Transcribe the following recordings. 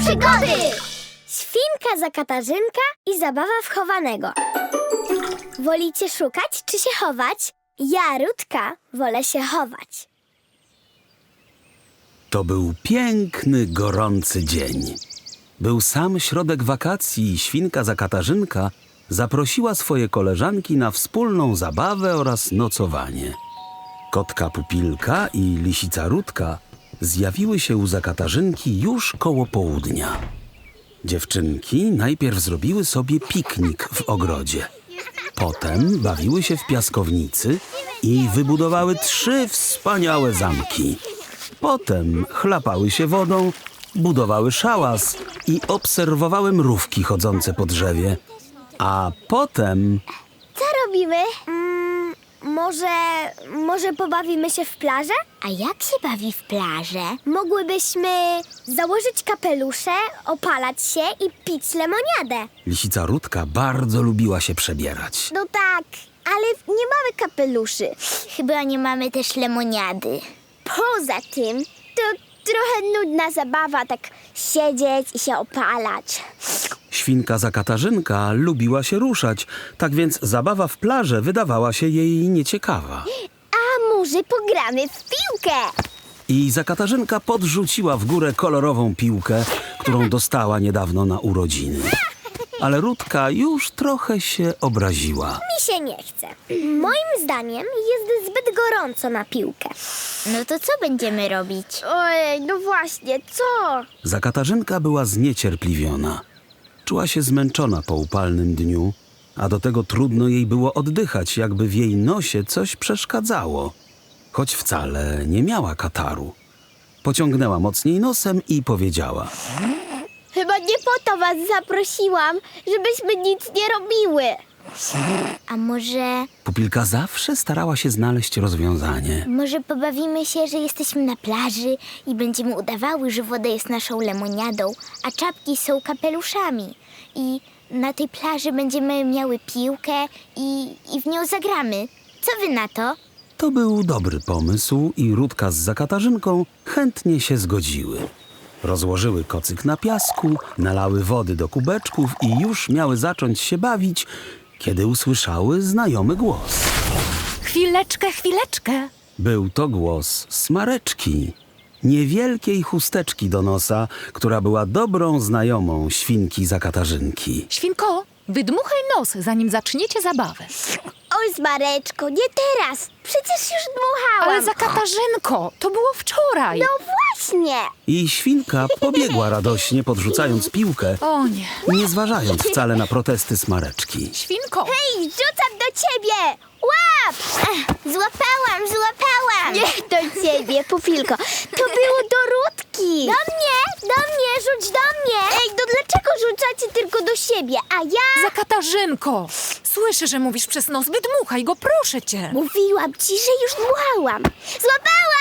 przygody! Świnka za Katarzynka i zabawa w chowanego. Wolicie szukać czy się chować? Ja, Rutka, wolę się chować. To był piękny, gorący dzień. Był sam środek wakacji i świnka za Katarzynka zaprosiła swoje koleżanki na wspólną zabawę oraz nocowanie. Kotka Pupilka i lisica Rutka zjawiły się u Zakatarzynki już koło południa. Dziewczynki najpierw zrobiły sobie piknik w ogrodzie. Potem bawiły się w piaskownicy i wybudowały 3 wspaniałe zamki. Potem chlapały się wodą, budowały szałas i obserwowały mrówki chodzące po drzewie. A potem... Co robimy? Może pobawimy się w plażę? A jak się bawi w plażę? Mogłybyśmy założyć kapelusze, opalać się i pić lemoniadę. Lisica Rutka bardzo lubiła się przebierać. No tak, ale nie mamy kapeluszy. Chyba nie mamy też lemoniady. Poza tym, to trochę nudna zabawa, tak siedzieć i się opalać. Świnka za Katarzynka lubiła się ruszać, tak więc zabawa w plażę wydawała się jej nieciekawa. A może pogramy w piłkę? I Zakatarzynka podrzuciła w górę kolorową piłkę, którą dostała niedawno na urodziny. Ale Rutka już trochę się obraziła. Mi się nie chce. Moim zdaniem jest zbyt gorąco na piłkę. No to co będziemy robić? Ojej, no właśnie, co? Zakatarzynka była zniecierpliwiona. Czuła się zmęczona po upalnym dniu, a do tego trudno jej było oddychać, jakby w jej nosie coś przeszkadzało. Choć wcale nie miała kataru. Pociągnęła mocniej nosem i powiedziała: Chyba nie po to was zaprosiłam, żebyśmy nic nie robiły. A może Pupilka zawsze starała się znaleźć rozwiązanie. pobawimy się, że jesteśmy na plaży i będziemy udawały, że woda jest naszą lemoniadą, a czapki są kapeluszami. I na tej plaży będziemy miały piłkę i w nią zagramy. Co wy na to? To był dobry pomysł i Rutka z Zakatarzynką chętnie się zgodziły. Rozłożyły kocyk na piasku, nalały wody do kubeczków i już miały zacząć się bawić, kiedy usłyszały znajomy głos. Chwileczkę. Był to głos Smareczki, niewielkiej chusteczki do nosa, która była dobrą znajomą świnki Zakatarzynki. Świnko, wydmuchaj nos, zanim zaczniecie zabawę. Oj, Smareczko, nie teraz. Przecież już dmuchałam. Ale za Katarzynko, to było wczoraj. No właśnie. I świnka pobiegła radośnie, podrzucając piłkę, O nie. nie zważając wcale na protesty Smareczki. Świnko, Hej, rzucam do ciebie. Łap! Złapałam! Nie do ciebie, Pupilko. To było do Rutki. Do mnie, rzuć do mnie. Ej, no dlaczego rzucacie tylko do siebie, a ja... za Katarzynko. Słyszę, że mówisz przez nos, wydmuchaj go, proszę cię. Mówiłam ci, że już dmuchałam. Złapałam!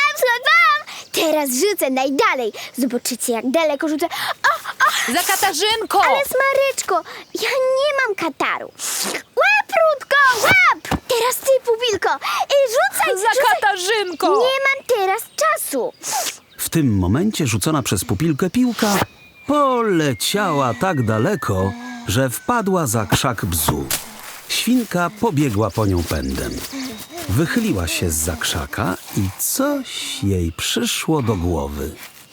Teraz rzucę najdalej. Zobaczycie, jak daleko rzucę. Za Katarzynko! Ale Smaryczko, ja nie mam kataru. Łap, Rutko, łap! Teraz ty, Pupilko. Rzucaj, Za Katarzynko! Nie mam teraz czasu. W tym momencie rzucona przez Pupilkę piłka poleciała tak daleko, że wpadła za krzak bzu. Świnka pobiegła po nią pędem. Wychyliła się zza krzaka i coś jej przyszło do głowy.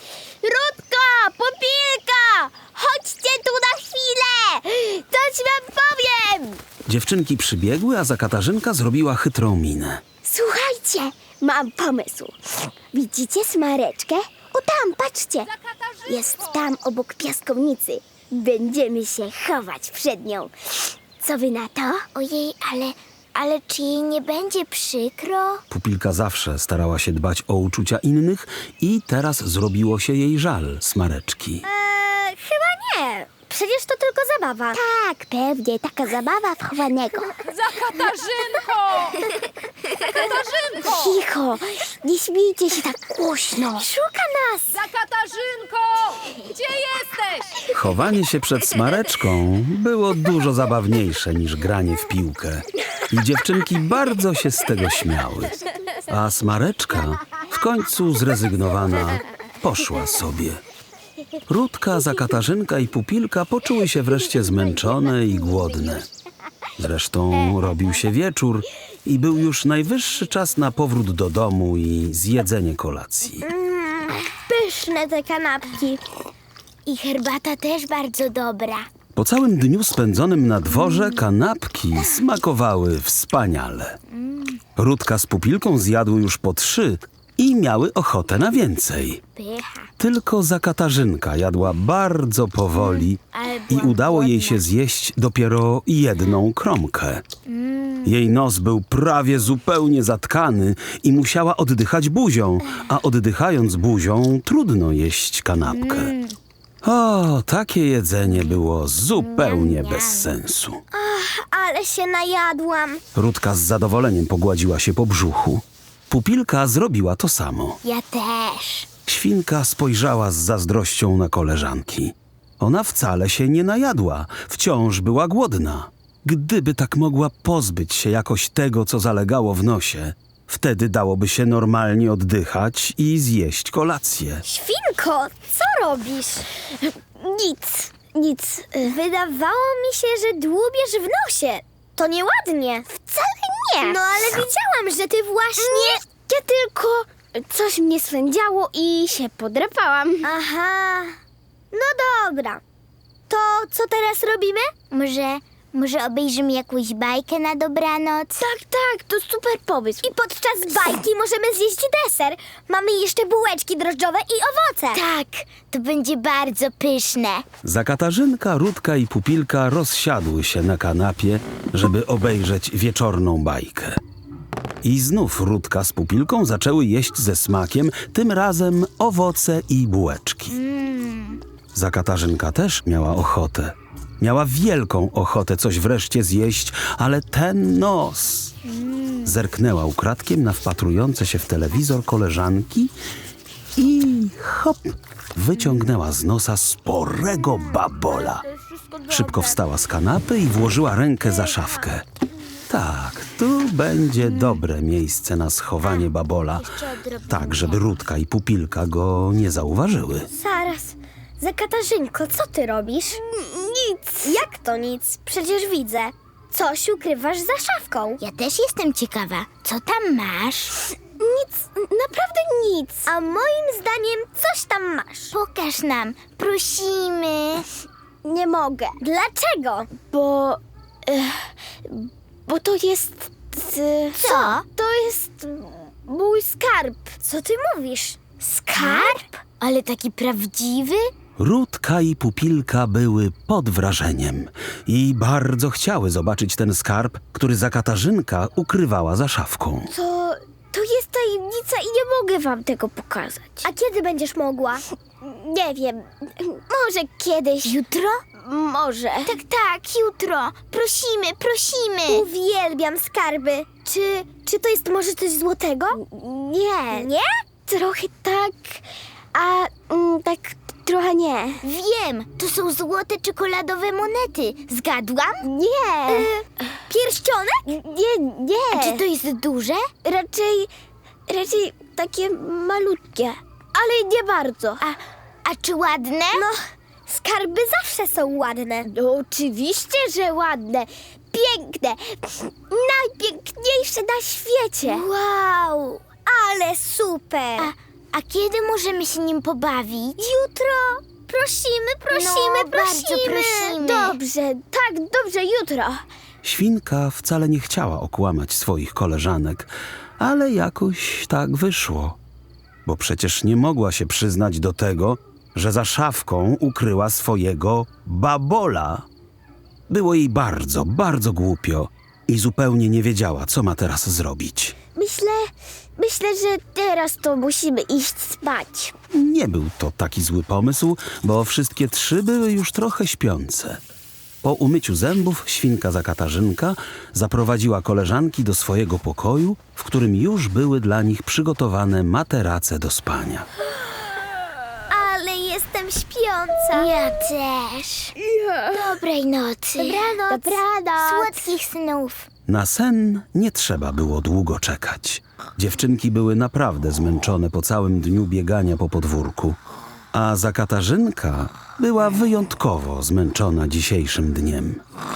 Rutko, Pupilka, chodźcie tu na chwilę. Coś wam powiem. Dziewczynki przybiegły, a Zakatarzynka zrobiła chytrą minę. Słuchajcie, mam pomysł. Widzicie Smareczkę? O tam, patrzcie. Jest tam obok piaskownicy. Będziemy się chować przed nią. Co wy na to? Ojej, ale czy jej nie będzie przykro? Pupilka zawsze starała się dbać o uczucia innych i teraz zrobiło się jej żal Smareczki. Chyba nie. Przecież to tylko zabawa. Tak, pewnie. Taka zabawa w chowanego. Za Katarzynko! Katarzynko! Cicho, nie śmiejcie się tak głośno. Szuka nas. Za Katarzynko! Gdzie jesteś? Chowanie się przed Smareczką było dużo zabawniejsze niż granie w piłkę. I dziewczynki bardzo się z tego śmiały. A Smareczka, w końcu zrezygnowana, poszła sobie. Rudka, Zakatarzynka i Pupilka poczuły się wreszcie zmęczone i głodne. Zresztą robił się wieczór i był już najwyższy czas na powrót do domu i zjedzenie kolacji. Pyszne te kanapki. I herbata też bardzo dobra. Po całym dniu spędzonym na dworze kanapki smakowały wspaniale. Rudka z Pupilką zjadły już po 3 i miały ochotę na więcej. Pycha. Tylko Zakatarzynka jadła bardzo powoli Ale i była udało jej głodna. się zjeść dopiero 1 kromkę. Jej nos był prawie zupełnie zatkany i musiała oddychać buzią, a oddychając buzią trudno jeść kanapkę. O, takie jedzenie było zupełnie bez sensu. Ale się najadłam. Rudka z zadowoleniem pogładziła się po brzuchu. Pupilka zrobiła to samo. Ja też. Świnka spojrzała z zazdrością na koleżanki. Ona wcale się nie najadła, wciąż była głodna. Gdyby tak mogła pozbyć się jakoś tego, co zalegało w nosie, wtedy dałoby się normalnie oddychać i zjeść kolację. Świnko, co robisz? Nic. Wydawało mi się, że dłubiesz w nosie. To nieładnie. Wcale nie. No ale widziałam, że ty właśnie... Ja tylko... Coś mnie swędziało i się podrapałam. Aha. No dobra. To co teraz robimy? Może obejrzymy jakąś bajkę na dobranoc? Tak, to super pomysł. I podczas bajki możemy zjeść deser. Mamy jeszcze bułeczki drożdżowe i owoce. Tak, to będzie bardzo pyszne. Zakatarzynka, Rudka i Pupilka rozsiadły się na kanapie, żeby obejrzeć wieczorną bajkę. I znów Rudka z Pupilką zaczęły jeść ze smakiem, tym razem owoce i bułeczki. Zakatarzynka też miała ochotę. Miała wielką ochotę coś wreszcie zjeść, ale ten nos... Zerknęła ukradkiem na wpatrujące się w telewizor koleżanki i hop! Wyciągnęła z nosa sporego babola. Szybko wstała z kanapy i włożyła rękę za szafkę. Tak, tu będzie dobre miejsce na schowanie babola, tak żeby Rudka i Pupilka go nie zauważyły. Zaraz. Zakatarzynko, co ty robisz? Nic. Jak to nic? Przecież widzę. Coś ukrywasz za szafką. Ja też jestem ciekawa, co tam masz? Nic, naprawdę nic. A moim zdaniem coś tam masz. Pokaż nam, prosimy. Nie mogę. Dlaczego? Bo to jest... Co? To jest mój skarb. Co ty mówisz? Skarb? Ale taki prawdziwy? Rudka i Pupilka były pod wrażeniem i bardzo chciały zobaczyć ten skarb, który Zakatarzynka ukrywała za szafką. To jest tajemnica i nie mogę wam tego pokazać. A kiedy będziesz mogła? Nie wiem. Może kiedyś. Jutro? Może. Tak, jutro. Prosimy. Uwielbiam skarby. Czy to jest może coś złotego? Nie. Nie? Trochę tak, a tak trochę nie. Wiem, to są złote czekoladowe monety. Zgadłam? Nie. Pierścionek? Nie. A czy to jest duże? Raczej takie malutkie, ale nie bardzo. A czy ładne? No, skarby zawsze są ładne. No, oczywiście, że ładne. Piękne. Najpiękniejsze na świecie. Wow, ale super. A kiedy możemy się nim pobawić? Jutro. Prosimy. No, bardzo prosimy. Dobrze, jutro. Świnka wcale nie chciała okłamać swoich koleżanek, ale jakoś tak wyszło. Bo przecież nie mogła się przyznać do tego, że za szafką ukryła swojego babola. Było jej bardzo, bardzo głupio i zupełnie nie wiedziała, co ma teraz zrobić. Myślę, że teraz to musimy iść spać. Nie był to taki zły pomysł, bo wszystkie 3 były już trochę śpiące. Po umyciu zębów świnka Zakatarzynka zaprowadziła koleżanki do swojego pokoju, w którym już były dla nich przygotowane materace do spania. Ale jestem śpiąca. Ja też. Dobrej nocy. Dobranoc. Słodkich snów. Na sen nie trzeba było długo czekać. Dziewczynki były naprawdę zmęczone po całym dniu biegania po podwórku. A Zakatarzynka była wyjątkowo zmęczona dzisiejszym dniem.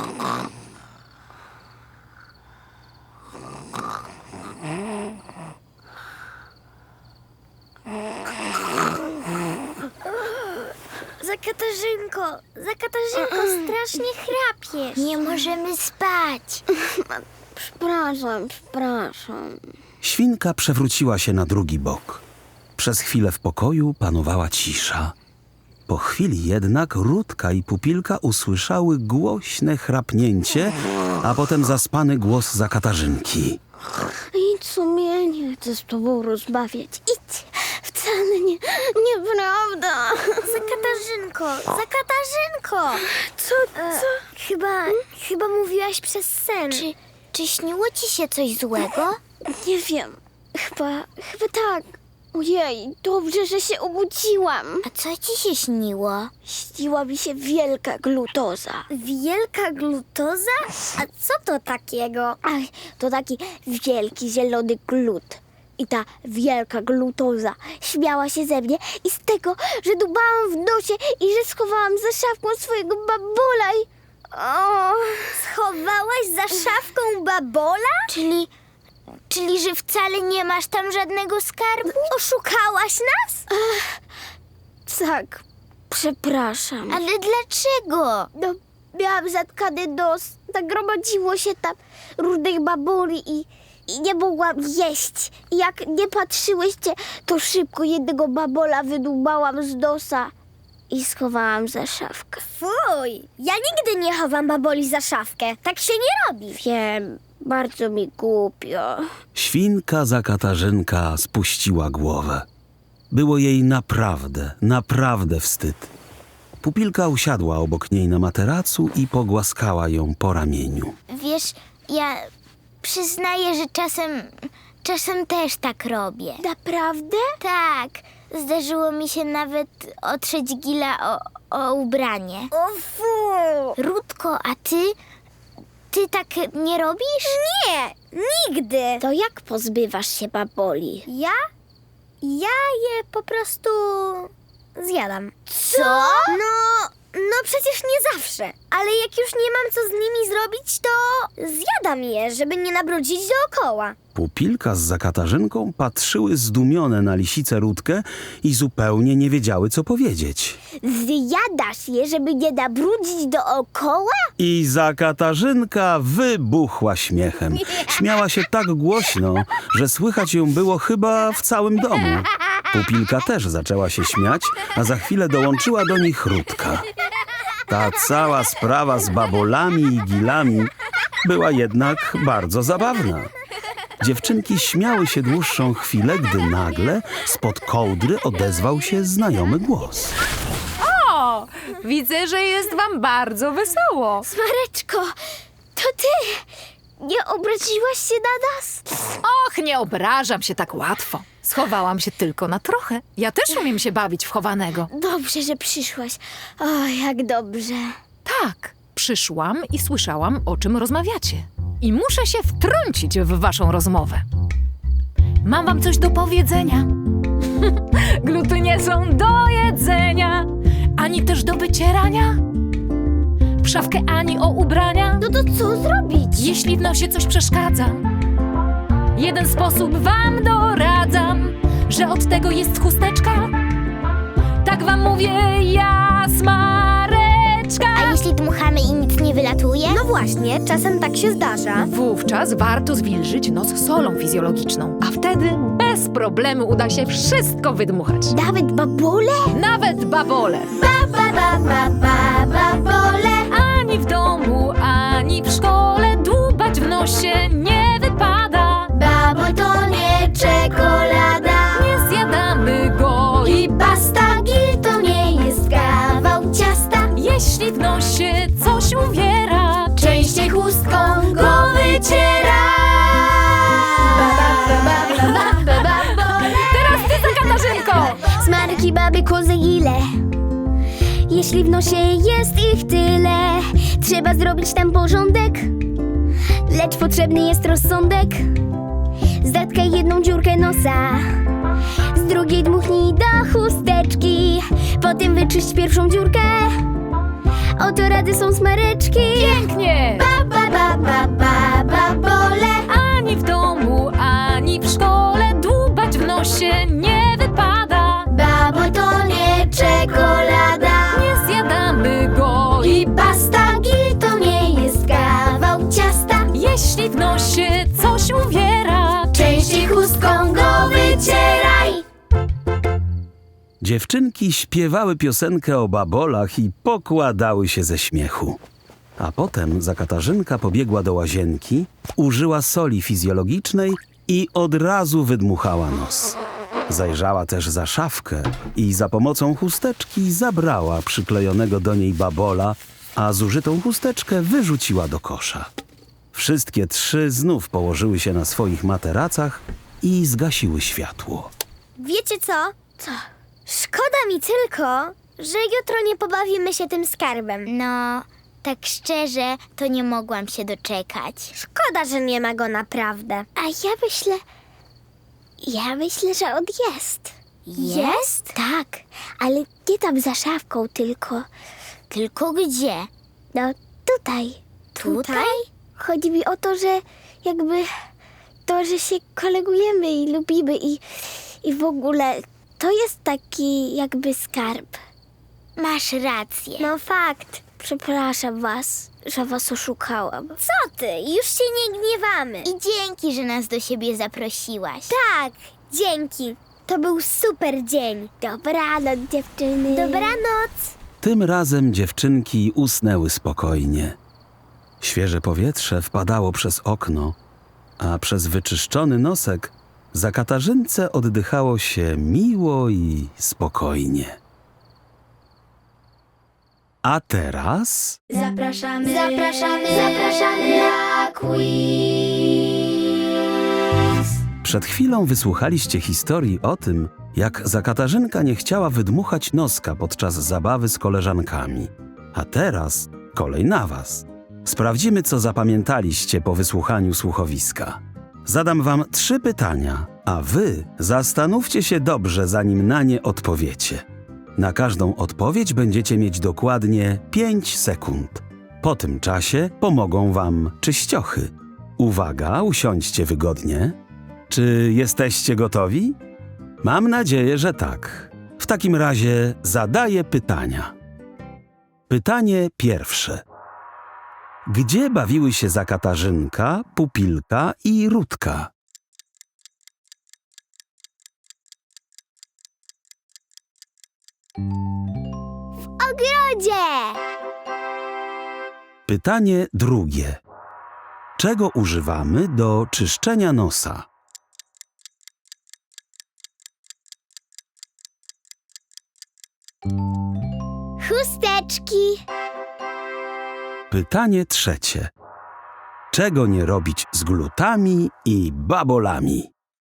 Zakatarzynko, strasznie chrapiesz. Nie możemy spać. Przepraszam. Świnka przewróciła się na drugi bok. Przez chwilę w pokoju panowała cisza. Po chwili jednak Rutka i Pupilka usłyszały głośne chrapnięcie, a potem zaspany głos Zakatarzynki. Idź, sumienie, nie chcę z tobą rozmawiać. Idź. Wcale nieprawda. Zakatarzynko! Co? Chyba mówiłaś przez sen. Czy śniło ci się coś złego? Nie wiem. Chyba tak. Ojej, dobrze, że się obudziłam. A co ci się śniło? Śniła mi się wielka glutoza. Wielka glutoza? A co to takiego? Ach, to taki wielki, zielony glut. I ta wielka glutoza śmiała się ze mnie i z tego, że dubałam w nosie i że schowałam za szafką swojego babola i... O, Schowałaś za szafką babola? Czyli, że wcale nie masz tam żadnego skarbu? Oszukałaś nas? tak, przepraszam. Ale dlaczego? No, miałam zatkany nos, nagromadziło się tam różnych baboli i nie mogłam jeść. I jak nie patrzyłyście, to szybko jednego babola wydubałam z nosa i schowałam za szafkę. Fuj, ja nigdy nie chowam baboli za szafkę. Tak się nie robi. Wiem, bardzo mi głupio. Świnka Zakatarzynka spuściła głowę. Było jej naprawdę wstyd. Pupilka usiadła obok niej na materacu i pogłaskała ją po ramieniu. Wiesz, ja przyznaję, że czasem też tak robię. Naprawdę? Tak, zdarzyło mi się nawet otrzeć Gila o ubranie. O fu! Rutko, a ty tak nie robisz? Nie, nigdy. To jak pozbywasz się baboli? Ja je po prostu zjadam. Co? No przecież nie zawsze. Ale jak już nie mam co z nimi zrobić, to zjadam je, żeby nie nabrudzić dookoła. Pupilka z Zakatarzynką patrzyły zdumione na lisicę Rutkę i zupełnie nie wiedziały, co powiedzieć. Zjadasz je, żeby nie nabrudzić dookoła? I Zakatarzynka wybuchła śmiechem. Śmiała się tak głośno, że słychać ją było chyba w całym domu. Pupilka też zaczęła się śmiać, a za chwilę dołączyła do nich Rutka. Ta cała sprawa z babolami i gilami była jednak bardzo zabawna. Dziewczynki śmiały się dłuższą chwilę, gdy nagle spod kołdry odezwał się znajomy głos. O, widzę, że jest wam bardzo wesoło. Smareczko, to ty! Nie obraziłaś się na nas? Och, nie obrażam się tak łatwo. Schowałam się tylko na trochę. Ja też umiem się bawić w chowanego. Dobrze, że przyszłaś. O, jak dobrze. Tak, przyszłam i słyszałam, o czym rozmawiacie. I muszę się wtrącić w waszą rozmowę. Mam wam coś do powiedzenia. Gluty nie są do jedzenia, ani też do wycierania. W szafkę ani o ubrania. No to co zrobić? Jeśli w nosie coś przeszkadza, jeden sposób wam doradzam, że od tego jest chusteczka. Tak wam mówię ja, Smareczka. A jeśli dmuchamy i nic nie wylatuje? No właśnie, czasem tak się zdarza. Wówczas warto zwilżyć nos solą fizjologiczną, a wtedy bez problemu uda się wszystko wydmuchać. Nawet babole? Nawet babole. Babole. Ani w domu, ani w szkole dłubać w nosie nie wypada. Babol to nie czekolada. Nie zjadamy go I pasta gil to nie jest kawał ciasta. jeśli w nosie coś uwiera. Częściej chustką go wyciera. Teraz ty, Zakatarzynko! Smarki, baby, kozy, ile? Jeśli w nosie jest ich tyle, trzeba zrobić tam porządek. Lecz potrzebny jest rozsądek. Zatkaj jedną dziurkę nosa, z drugiej dmuchnij do chusteczki. wyczyść pierwszą dziurkę. Oto rady są smareczki. Pięknie! Babole. Ani w domu, ani w szkole dłubać w nosie nie wypada. Babo to nie czekolada. Nie zjadamy go I basta, gil to nie jest kawał ciasta. jeśli w nosie coś uwiera. Częściej chustką go wycieraj. Dziewczynki śpiewały piosenkę o babolach i pokładały się ze śmiechu. A potem Zakatarzynka pobiegła do łazienki, użyła soli fizjologicznej i od razu wydmuchała nos. Zajrzała też za szafkę i za pomocą chusteczki zabrała przyklejonego do niej babola, a zużytą chusteczkę wyrzuciła do kosza. Wszystkie trzy znów położyły się na swoich materacach i zgasiły światło. Wiecie co? Co? Szkoda mi tylko, że jutro nie pobawimy się tym skarbem. No, tak szczerze, to nie mogłam się doczekać. Szkoda, że nie ma go naprawdę. A ja myślę, że on jest. Jest? Tak, ale nie tam za szafką, tylko... Tylko gdzie? No, tutaj. Tutaj? Chodzi mi o to, że jakby... To, że się kolegujemy i lubimy i w ogóle... To jest taki jakby skarb. Masz rację. No fakt. Przepraszam was, że was oszukałam. Co ty? Już się nie gniewamy. I dzięki, że nas do siebie zaprosiłaś. Tak, dzięki. To był super dzień. Dobranoc, dziewczyny. Dobranoc. Tym razem dziewczynki usnęły spokojnie. Świeże powietrze wpadało przez okno, a przez wyczyszczony nosek Zakatarzynce oddychało się miło i spokojnie. A teraz... Zapraszamy na quiz. Przed chwilą wysłuchaliście historii o tym, jak Zakatarzynka nie chciała wydmuchać noska podczas zabawy z koleżankami. A teraz kolej na was. Sprawdzimy, co zapamiętaliście po wysłuchaniu słuchowiska. Zadam wam 3 pytania, a wy zastanówcie się dobrze, zanim na nie odpowiecie. Na każdą odpowiedź będziecie mieć dokładnie 5 sekund. Po tym czasie pomogą wam czyściochy. Uwaga, usiądźcie wygodnie. Czy jesteście gotowi? Mam nadzieję, że tak. W takim razie zadaję pytania. Pytanie pierwsze. Gdzie bawiły się Zakatarzynka, Pupilka i Rutka? Ogrodzie. Pytanie drugie. Czego używamy do czyszczenia nosa? Chusteczki. Pytanie trzecie. Czego nie robić z glutami i babolami?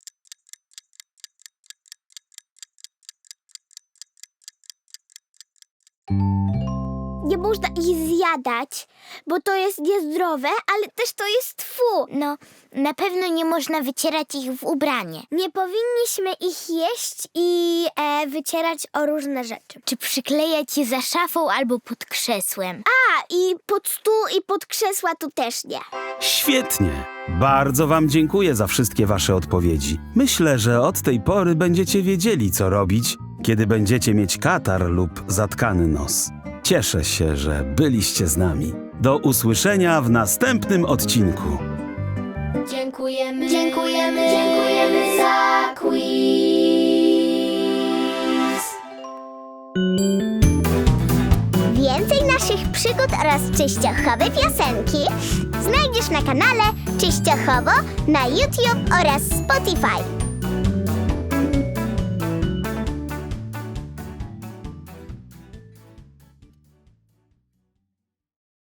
Nie można ich zjadać, bo to jest niezdrowe, ale też to jest fu. No, na pewno nie można wycierać ich w ubranie. Nie powinniśmy ich jeść i wycierać o różne rzeczy. Czy przyklejać je za szafą albo pod krzesłem. A, i pod stół i pod krzesła tu też nie. Świetnie! Bardzo wam dziękuję za wszystkie wasze odpowiedzi. Myślę, że od tej pory będziecie wiedzieli, co robić, kiedy będziecie mieć katar lub zatkany nos. Cieszę się, że byliście z nami. Do usłyszenia w następnym odcinku. Dziękujemy za quiz. Więcej naszych przygód oraz czyściochowe piosenki znajdziesz na kanale Czyściochowo na YouTube oraz Spotify.